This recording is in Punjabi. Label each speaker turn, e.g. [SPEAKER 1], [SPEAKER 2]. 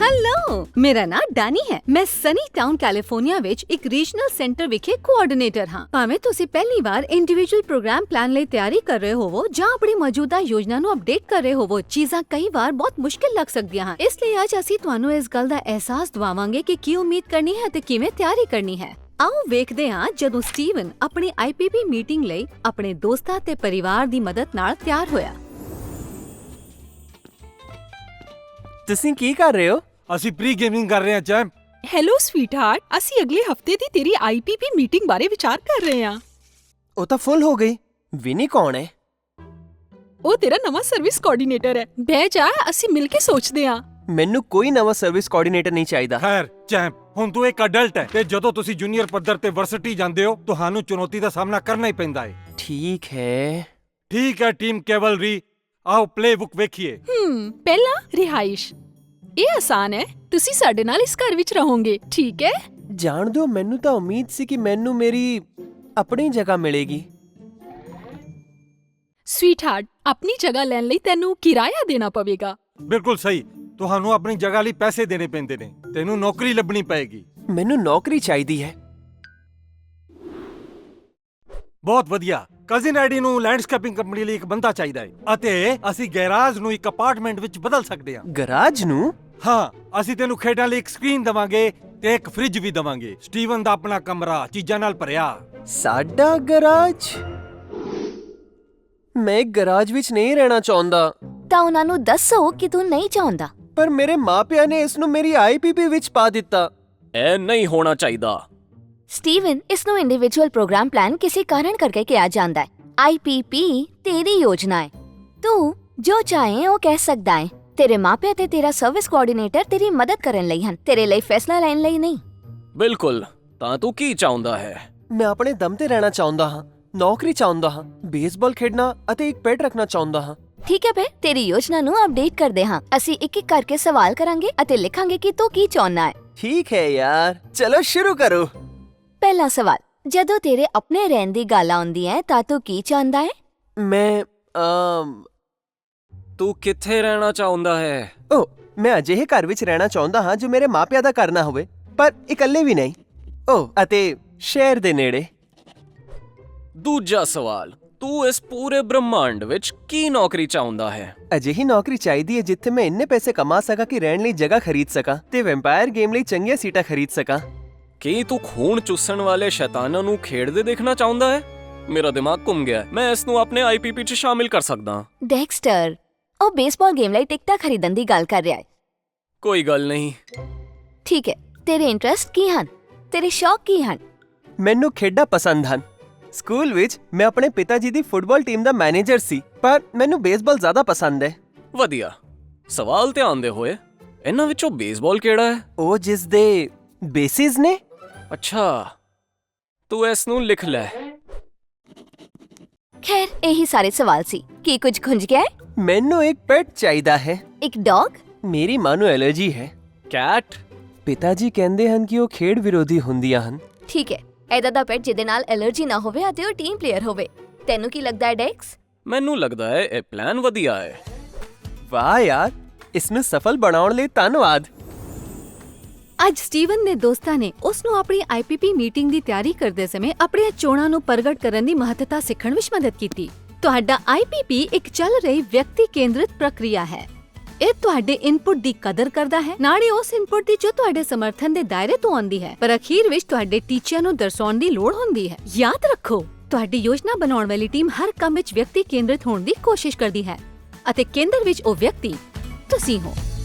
[SPEAKER 1] ਹੈਲੋ, ਮੇਰਾ ਨਾਮ ਡੈਨੀ ਹੈ। ਮੈਂ ਸਨੀ ਟਾਊਨ ਕੈਲੀਫੋਰਨੀਆ ਵਿੱਚ ਇੱਕ ਰੀਜਨਲ ਸੈਂਟਰ ਵਿਖੇ ਕੋਆਰਡੀਨੇਟਰ ਹਾਂ। ਭਾਵੇਂ ਤੁਸੀਂ ਪਹਿਲੀ ਵਾਰ ਇੰਡੀਵਿਜੂਅਲ ਪ੍ਰੋਗਰਾਮ ਪਲਾਨ ਲਈ ਤਿਆਰੀ ਕਰ ਰਹੇ ਹੋਵੋ ਜਾਂ ਆਪਣੀ ਮੌਜੂਦਾ ਯੋਜਨਾ ਨੂੰ ਅਪਡੇਟ ਕਰ ਰਹੇ ਹੋਵੋ, ਚੀਜ਼ਾਂ ਕਈ ਵਾਰ ਬਹੁਤ ਮੁਸ਼ਕਿਲ ਲੱਗ ਸਕਦੀਆਂ ਹਨ। ਇਸ ਲਈ ਅੱਜ ਅਸੀਂ ਤੁਹਾਨੂੰ ਇਸ ਗੱਲ ਦਾ ਅਹਿਸਾਸ ਦਿਵਾਵਾਂਗੇ ਕਿ ਕੀ ਉਮੀਦ ਕਰਨੀ ਹੈ ਤੇ ਕਿਵੇਂ ਤਿਆਰੀ ਕਰਨੀ ਹੈ। ਆਓ ਵੇਖਦੇ ਹਾਂ ਜਦੋਂ ਸਟੀਵਨ ਆਪਣੀ IPP ਮੀਟਿੰਗ ਲਈ ਆਪਣੇ ਦੋਸਤਾਂ ਤੇ ਪਰਿਵਾਰ ਦੀ ਮਦਦ ਨਾਲ ਤਿਆਰ ਹੋਇਆ।
[SPEAKER 2] ਤੁਸੀਂ ਕੀ ਕਰ ਰਹੇ ਹੋ?
[SPEAKER 3] ਅਸੀਂ ਪ੍ਰੀ ਗੇਮਿੰਗ ਕਰ ਰਹੇ ਹਾਂ ਚੈਂਪ।
[SPEAKER 4] ਹੈਲੋ ਸਵੀਟਹਾਰਟ, ਅਸੀਂ ਅਗਲੇ ਹਫਤੇ ਦੀ ਤੇਰੀ IPP ਮੀਟਿੰਗ ਬਾਰੇ ਵਿਚਾਰ ਕਰ ਰਹੇ ਹਾਂ।
[SPEAKER 2] ਉਹ ਤਾਂ ਫੁੱਲ ਹੋ ਗਈ। ਵਿਨੀ ਕੌਣ ਹੈ?
[SPEAKER 4] ਉਹ ਤੇਰਾ ਨਵਾਂ ਸਰਵਿਸ ਕੋਆਰਡੀਨੇਟਰ ਹੈ। ਬਹਿ ਜਾ, ਅਸੀਂ ਮਿਲ ਕੇ ਸੋਚਦੇ ਹਾਂ।
[SPEAKER 2] ਮੈਨੂੰ ਕੋਈ ਨਵਾਂ ਸਰਵਿਸ ਕੋਆਰਡੀਨੇਟਰ ਨਹੀਂ ਚਾਹੀਦਾ।
[SPEAKER 3] ਖੈਰ ਚੈਂਪ, ਹੁਣ ਤੂੰ ਇੱਕ ਅਡਲਟ ਹੈ ਤੇ ਜਦੋਂ ਤੁਸੀਂ ਜੂਨੀਅਰ ਪੱਧਰ ਤੇ ਵਰਸਿਟੀ ਜਾਂਦੇ ਹੋ ਤੁਹਾਨੂੰ ਚੁਣੌਤੀ ਦਾ ਸਾਹਮਣਾ ਕਰਨਾ ਹੀ ਪੈਂਦਾ ਹੈ।
[SPEAKER 2] ਠੀਕ ਹੈ।
[SPEAKER 3] ਠੀਕ ਹੈ ਟੀਮ ਕੈਵਲਰੀ, ਆਓ ਪਲੇਬੁੱਕ ਵੇਖੀਏ।
[SPEAKER 4] ਪਹਿਲਾ ਰਿਹਾਇਸ਼। ਇਹ ਆਸਾਨ ਹੈ, ਤੁਸੀਂ ਸਾਡੇ ਨਾਲ ਇਸ ਘਰ ਵਿੱਚ ਰਹੋਗੇ, ਠੀਕ ਹੈ?
[SPEAKER 2] ਜਾਣ ਦਿਓ, ਮੈਨੂੰ ਤਾਂ ਉਮੀਦ ਸੀ ਕਿ ਮੈਨੂੰ ਮੇਰੀ ਆਪਣੀ ਜਗ੍ਹਾ ਮਿਲੇਗੀ।
[SPEAKER 4] ਸਵੀਟਹਾਰਟ, ਆਪਣੀ ਜਗ੍ਹਾ ਲੈਣ ਲਈ ਤੈਨੂੰ ਕਿਰਾਇਆ ਦੇਣਾ ਪਵੇਗਾ।
[SPEAKER 3] ਬਿਲਕੁਲ ਸਹੀ, ਤੁਹਾਨੂੰ ਆਪਣੀ ਜਗ੍ਹਾ ਲਈ ਪੈਸੇ ਦੇਣੇ ਪੈਂਦੇ ਨੇ। ਤੈਨੂੰ ਨੌਕਰੀ ਲੱਭਣੀ ਪਏਗੀ।
[SPEAKER 2] ਮੈਨੂੰ ਨੌਕਰੀ ਚਾਹੀਦੀ ਹੈ।
[SPEAKER 3] ਬਹੁਤ ਵਧੀਆ। ਕਜ਼ਨ ਐਡੀ ਨੂੰ ਲੈਂਡਸਕੇਪਿੰਗ ਕੰਪਨੀ ਲਈ ਇੱਕ ਬੰਦਾ ਚਾਹੀਦਾ ਹੈ ਅਤੇ ਅਸੀਂ ਗੈਰਾਜ ਨੂੰ ਇੱਕ ਅਪਾਰਟਮੈਂਟ ਵਿੱਚ ਬਦਲ ਸਕਦੇ ਹਾਂ।
[SPEAKER 2] ਗਰਾਜ ਨੂੰ?
[SPEAKER 3] ਹਾਂ, ਅਸੀਂ ਤੈਨੂੰ ਖੇਡਾਂ ਲਈ ਇੱਕ ਸਕਰੀਨ ਦਵਾਂਗੇ ਤੇ ਇੱਕ ਫ੍ਰਿਜ ਵੀ ਦਵਾਂਗੇ। ਸਟੀਵਨ ਦਾ ਆਪਣਾ ਕਮਰਾ ਚੀਜ਼ਾਂ ਨਾਲ ਭਰਿਆ।
[SPEAKER 2] ਸਾਡਾ ਗਰਾਜ? ਮੈਂ ਗਰਾਜ ਵਿੱਚ ਨਹੀਂ ਰਹਿਣਾ ਚਾਹੁੰਦਾ।
[SPEAKER 5] ਤਾਂ ਉਹਨਾਂ ਨੂੰ ਦੱਸੋ ਕਿ ਤੂੰ ਨਹੀਂ ਚਾਹੁੰਦਾ।
[SPEAKER 2] ਪਰ ਮੇਰੇ ਮਾਪਿਆਂ ਨੇ ਇਸ ਨੂੰ ਮੇਰੀ IPP ਵਿੱਚ ਪਾ ਦਿੱਤਾ। ਇਹ ਨਹੀਂ ਹੋਣਾ ਚਾਹੀਦਾ।
[SPEAKER 5] ਸਟੀਵਨ, ਇਸ ਨੂੰ ਇੰਡੀਵਿਜੂਅਲ ਪ੍ਰੋਗਰਾਮ ਪਲਾਨ ਕਿਸੇ ਕਾਰਨ ਕਰਕੇ ਕਿਹਾ ਜਾਂਦਾ ਹੈ। IPP ਤੇਰੀ ਯੋਜਨਾ ਹੈ। ਤੂੰ ਜੋ ਚਾਹੇ ਉਹ ਕਹਿ ਸਕਦਾ ਹੈ। ਤੇਰੇ ਮਾਪੇ ਤੇ ਤੇਰਾ ਸਰਵਿਸ ਕੋਆਰਡੀਨੇਟਰ ਤੇਰੀ ਮਦਦ ਕਰਨ ਲਈ ਹਨ, ਤੇਰੇ ਲਈ ਫੈਸਲਾ ਲੈਣ ਲਈ ਨਹੀਂ।
[SPEAKER 6] ਬਿਲਕੁਲ। ਤਾਂ ਤੂੰ ਕੀ ਚਾਹੁੰਦਾ ਹੈ?
[SPEAKER 2] ਮੈਂ ਆਪਣੇ ਦਮ ਤੇ ਰਹਿਣਾ ਚਾਹੁੰਦਾ ਹਾਂ, ਨੌਕਰੀ ਚਾਹੁੰਦਾ ਹਾਂ, ਬੇਸਬਾਲ ਖੇਡਣਾ ਅਤੇ ਇੱਕ ਪੈਟ ਰੱਖਣਾ ਚਾਹੁੰਦਾ ਹਾਂ।
[SPEAKER 5] ਠੀਕ ਹੈ ਫਿਰ, ਤੇਰੀ ਯੋਜਨਾ ਨੂੰ ਅਪਡੇਟ ਕਰਦੇ ਹਾਂ। ਅਸੀਂ ਇੱਕ ਇੱਕ ਕਰਕੇ ਸਵਾਲ ਕਰਾਂਗੇ ਅਤੇ ਲਿਖਾਂਗੇ ਕਿ ਤੂੰ ਕੀ ਚਾਹੁੰਦਾ ਹੈ।
[SPEAKER 2] ਠੀਕ ਹੈ ਯਾਰ, ਚਲੋ ਸ਼ੁਰੂ ਕਰੋ।
[SPEAKER 5] ਪਹਿਲਾ ਸਵਾਲ, ਜਦੋਂ ਤੇਰੇ ਆਪਣੇ ਰਹਿਣ ਦੀ ਗੱਲ ਆਉਂਦੀ ਹੈ ਤਾਂ ਤੂੰ ਕੀ ਚਾਹੁੰਦਾ ਹੈ?
[SPEAKER 2] ਮੈਂ
[SPEAKER 6] ਤੂੰ ਕਿੱਥੇ ਰਹਿਣਾ ਚਾਹੁੰਦਾ ਹੈ?
[SPEAKER 2] ਮੈਂ ਅਜਿਹੇ ਘਰ ਵਿੱਚ ਰਹਿਣਾ ਚਾਹੁੰਦਾ ਹਾਂ ਜੋ ਮੇਰੇ ਮਾਪਿਆਂ ਦਾ ਘਰ ਨਾ ਹੋਵੇ, ਪਰ ਇਕੱਲੇ ਵੀ ਨਹੀਂ। ਅਤੇ ਸ਼ਹਿਰ ਦੇ ਨੇੜੇ।
[SPEAKER 6] ਦੂਜਾ ਸਵਾਲ, ਤੂੰ ਇਸ ਪੂਰੇ ਬ੍ਰਹਮੰਡ ਵਿੱਚ ਕੀ ਨੌਕਰੀ ਚਾਹੁੰਦਾ ਹੈ?
[SPEAKER 2] ਅਜਿਹੀ ਨੌਕਰੀ ਚਾਹੀਦੀ ਹੈ ਜਿੱਥੇ ਮੈਂ ਇੰਨੇ ਪੈਸੇ ਕਮਾ ਸਕਾਂ ਕਿ ਰਹਿਣ ਲਈ ਜਗ੍ਹਾ ਖਰੀਦ ਸਕਾਂ ਤੇ ਵੈਂਪਾਇਰ ਗੇਮ ਲਈ ਚੰਗੀਆਂ ਸੀਟਾਂ ਖਰੀਦ ਸਕਾਂ।
[SPEAKER 6] ਕੀ ਤੂੰ ਖੂਨ ਚੂਸਣ ਵਾਲੇ ਸ਼ੈਤਾਨਾਂ ਨੂੰ ਖੇਡਦੇ ਦੇਖਣਾ ਚਾਹੁੰਦਾ ਹੈ? ਮੇਰਾ ਦਿਮਾਗ ਘੁੰਮ ਗਿਆ। ਮੈਂ ਇਸ ਨੂੰ ਆਪਣੇ IPP 'ਚ ਸ਼ਾਮਿਲ ਕਰ ਸਕਦਾ।
[SPEAKER 5] ਡੈਕਸਟਰ, ਉਹ ਬੇਸਬਾਲ ਗੇਮ ਲਈ ਟਿਕਟਾਂ ਖਰੀਦਣ ਦੀ ਗੱਲ ਕਰ ਰਿਹਾ ਹੈ।
[SPEAKER 6] ਕੋਈ ਗੱਲ ਨਹੀਂ।
[SPEAKER 5] ਠੀਕ ਹੈ, ਤੇਰੇ ਇੰਟਰਸਟ ਕੀ ਹਨ? ਤੇਰੇ ਸ਼ੌਕ ਕੀ ਹਨ?
[SPEAKER 2] ਮੈਨੂੰ ਖੇਡਾਂ ਪਸੰਦ ਹਨ। ਸਕੂਲ ਵਿੱਚ ਮੈਂ ਆਪਣੇ ਪਿਤਾ ਜੀ ਦੀ ਫੁੱਟਬਾਲ ਟੀਮ ਦਾ ਮੈਨੇਜਰ ਸੀ, ਪਰ ਮੈਨੂੰ ਬੇਸਬਾਲ ਜ਼ਿਆਦਾ ਪਸੰਦ ਹੈ।
[SPEAKER 6] ਵਧੀਆ ਸਵਾਲ ਧਿਆਨ ਦੇ ਹੋਏ। ਇਹਨਾਂ ਵਿੱਚੋਂ ਬੇਸਬਾਲ ਕਿਹੜਾ ਹੈ?
[SPEAKER 2] ਉਹ ਜਿਸ ਦੇ ਬੇਸਿਸ ਨੇ।
[SPEAKER 6] ਅੱਛਾ, ਤੂੰ ਇਸ ਨੂੰ ਲਿਖ ਲੈ।
[SPEAKER 5] ਖੈਰ, ਇਹੀ ਸਾਰੇ ਸਵਾਲ ਸੀ। ਕੀ ਕੁਝ ਖੁੰਝ ਗਿਆ ਹੈ?
[SPEAKER 2] ਮੈਨੂੰ ਇੱਕ ਪੈਟ ਚਾਹੀਦਾ ਹੈ।
[SPEAKER 5] ਇੱਕ ਡੌਗ?
[SPEAKER 2] ਮੇਰੀ ਮਾਂ ਨੂੰ ਐਲਰਜੀ ਹੈ।
[SPEAKER 6] ਕੈਟ?
[SPEAKER 2] ਪਿਤਾ ਜੀ ਕਹਿੰਦੇ ਹਨ ਕਿ ਉਹ ਖੇਡ ਵਿਰੋਧੀ ਹੁੰਦੀਆਂ ਹਨ।
[SPEAKER 5] ਠੀਕ ਹੈ, ਏਦਾਂ ਦਾ ਪੈਟ ਜਿਹਦੇ ਨਾਲ ਐਲਰਜੀ ਨਾ ਹੋਵੇ ਅਤੇ ਉਹ ਟੀਮ ਪਲੇਅਰ ਹੋਵੇ। ਤੈਨੂੰ ਕੀ ਲੱਗਦਾ ਹੈ ਡੈਕਸ?
[SPEAKER 6] ਮੈਨੂੰ ਲੱਗਦਾ ਹੈ ਇਹ ਪਲਾਨ ਵਧੀਆ ਹੈ।
[SPEAKER 2] ਵਾਹ ਯਾਰ, ਇਸ ਨੂੰ ਸਫਲ ਬਣਾਉਣ ਲਈ ਧੰਨਵਾਦ।
[SPEAKER 1] ਅੱਜ ਸਟੀਵਨ ਦੇ ਦੋਸਤਾਂ ਨੇ ਉਸ ਨੂੰ ਆਪਣੀ IPP ਮੀਟਿੰਗ ਦੀ ਤਿਆਰੀ ਕਰਦੇ ਸਮੇਂ ਆਪਣੀਆਂ ਚੋਣਾਂ ਨੂੰ ਪ੍ਰਗਟ ਕਰਨ ਦੀ ਮਹੱਤਤਾ ਸਿੱਖਣ ਵਿੱਚ ਮਦਦ ਕੀਤੀ। ਤੁਹਾਡਾ IPP ਇੱਕ ਚੱਲ ਰਹੀ ਵਿਅਕਤੀ ਕੇਂਦਰਿਤ ਪ੍ਰਕਿਰਿਆ ਹੈ। ਇਹ ਤੁਹਾਡੇ ਇਨਪੁਟ ਦੀ ਕਦਰ ਕਰਦਾ ਹੈ, ਨਾਲੇ ਉਸ ਇਨਪੁਟ ਦੀ ਜੋ ਤੁਹਾਡੇ ਸਮਰਥਨ ਦੇ ਦਾਇਰੇ ਤੋਂ ਆਉਂਦੀ ਹੈ, ਪਰ ਅਖੀਰ ਵਿੱਚ ਤੁਹਾਡੇ ਟੀਚਿਆਂ ਨੂੰ ਦਰਸਾਉਣ ਦੀ ਲੋੜ ਹੁੰਦੀ ਹੈ। ਯਾਦ ਰੱਖੋ, ਤੁਹਾਡੀ ਯੋਜਨਾ ਬਣਾਉਣ ਵਾਲੀ ਟੀਮ ਹਰ ਕੰਮ ਵਿੱਚ ਵਿਅਕਤੀ ਕੇਂਦਰਿਤ ਹੋਣ ਦੀ ਕੋਸ਼ਿਸ਼ ਕਰਦੀ ਹੈ ਅਤੇ ਕੇਂਦਰ ਵਿੱਚ ਉਹ ਵਿਅਕਤੀ ਤੁਸੀਂ ਹੋ।